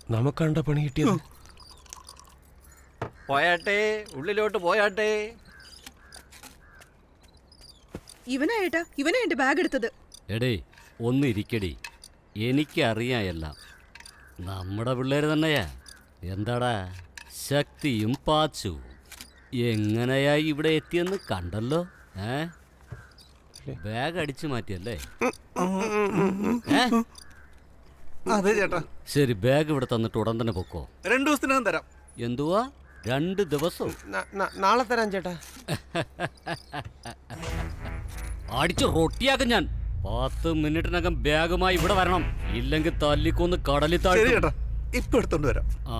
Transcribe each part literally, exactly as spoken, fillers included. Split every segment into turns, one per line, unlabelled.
നമുക്കണ്ട പണി കിട്ടിയത്.
പോയാട്ടെ, ഉള്ളിലോട്ട് പോയാട്ടെ.
ഇവനായിട്ടാ ഇവനാ എന്റെ ബാഗ് എടുത്തത്.
എടേ ഒന്നിരിക്കടി, എനിക്കറിയായല്ല, നമ്മുടെ പിള്ളേര് തന്നെയാ. എന്താടാ ശക്തിയും പാച്ചു എങ്ങനെയാ ഇവിടെ എത്തിയെന്ന് കണ്ടല്ലോ. ഏ ബാഗ് അടിച്ചു മാറ്റിയല്ലേ?
അതെ ചേട്ടാ.
ശരി, ബാഗ് ഇവിടെ തന്നിട്ട് ഉടൻ തന്നെ പൊക്കോ.
രണ്ടു ദിവസത്തിനകം തരാം.
എന്തുവാ രണ്ട് ദിവസവും?
നാളെ തരാം ചേട്ടാ.
അടിച്ചു റൊട്ടിയാക്കും ഞാൻ. പത്ത് മിനിറ്റിനകം ബാഗുമായി ഇവിടെ വരണം, ഇല്ലെങ്കിൽ തല്ലിക്കൊന്ന് കടലിൽ താഴ്ത്തും.
ഇപ്പൊ എടുത്തോണ്ട് വരാം.
ആ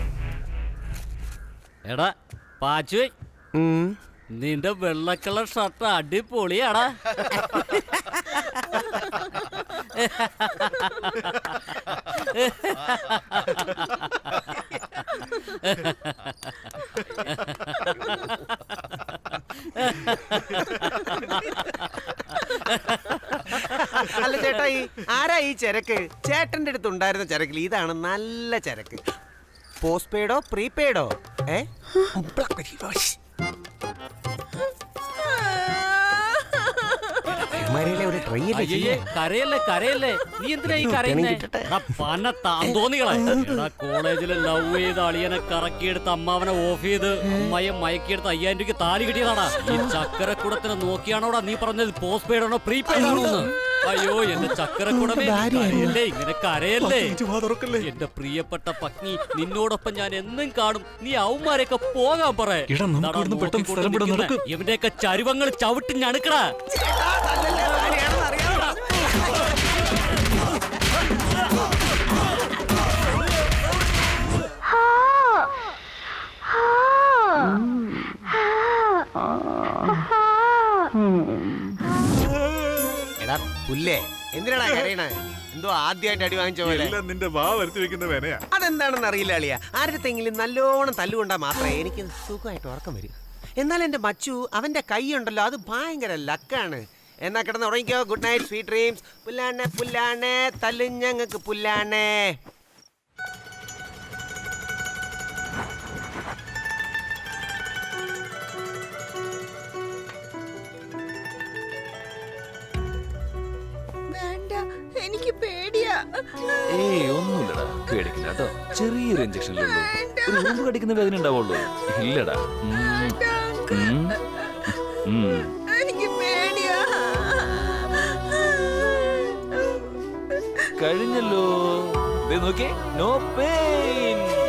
എടാ പാച്ചു, നിന്റെ വെള്ളക്കളർ ഷർട്ട് അടിപൊളിയാടാ.
അല്ല ചേട്ടാ, ഈ ആരാ ഈ ചരക്ക്? ചേട്ടന്റെ അടുത്ത് ഉണ്ടായിരുന്ന ചരക്കിൽ ഇതാണ് നല്ല ചരക്ക്. പോസ്റ്റ് പെയ്ഡോ പ്രീപെയ്ഡോ? ഏ
കരയല്ലേ കരയല്ലേ, നീ എന്തിനാ ഈ കരയുന്നേ? കോളേജില് ലവ് ചെയ്ത് അളിയനെ കറക്കിയെടുത്ത് അമ്മാവനെ ഓഫ് ചെയ്ത് അമ്മയെ മയക്കിയെടുത്ത് അയ്യായിരം രൂപയ്ക്ക് താലി കിട്ടിയതാടാ. ഈ ചക്കരക്കുടത്തിനെ നോക്കിയാണോടാ നീ പറഞ്ഞത് പോസ്റ്റ് പെയ്ഡ് ആണോ പ്രീപെയ്ഡ് ആണോ? അയ്യോ എന്റെ ചക്കരക്കുടമേ, കരയല്ലേ ഇങ്ങനെ കരയല്ലേ. എന്റെ പ്രിയപ്പെട്ട പത്നി, നിന്നോടൊപ്പം ഞാൻ എന്നും കാണും. നീ അവന്മാരെയൊക്കെ പോകാൻ പറ. ഇവന്റെയൊക്കെ ചരുവങ്ങൾ ചവിട്ടി ഞണുക്കടാ.
എടാ പുല്ലേ, എന്തിനാടാ കരയണേ? എന്തോ ആദ്യമായിട്ട് അടി വാങ്ങിച്ച പോലെ.
നിന്റെ വാ വരുത്തി വെക്കുന്ന വേനയാ.
അതെന്താണെന്ന് അറിയില്ല അളിയ. ആരുടെങ്കിലും നല്ലോണം തല്ലുകൊണ്ടാ മാത്രമേ എനിക്ക് സുഖമായിട്ട് ഉറക്കം വരും. എന്നാൽ എന്റെ മച്ചു, അവന്റെ കൈ ഉണ്ടല്ലോ, അത് ഭയങ്കര ലക്കാണ്. എന്നാ കിടന്ന് ഉറങ്ങിക്കോ. Good night, sweet dreams. പുല്ലാണേ പുല്ലാണേ തല്ലുഞ്ഞങ്ങൾക്ക് പുല്ലാണേ.
എനിക്ക് പേടിയാ.
ഏയ് ഒന്നുമില്ലടാ, പേടിക്കില്ല കേട്ടോ. ചെറിയൊരു ഇഞ്ചക്ഷനിലുള്ളൂ, ഒരു ഉറുമ്പ് കടിക്കുന്ന വേദന ഉണ്ടാവുള്ളൂ. ഇല്ലടാ,
എനിക്ക് പേടിയാ.
കഴിഞ്ഞല്ലോ. നോക്കിയേ, നോ പെയിൻ.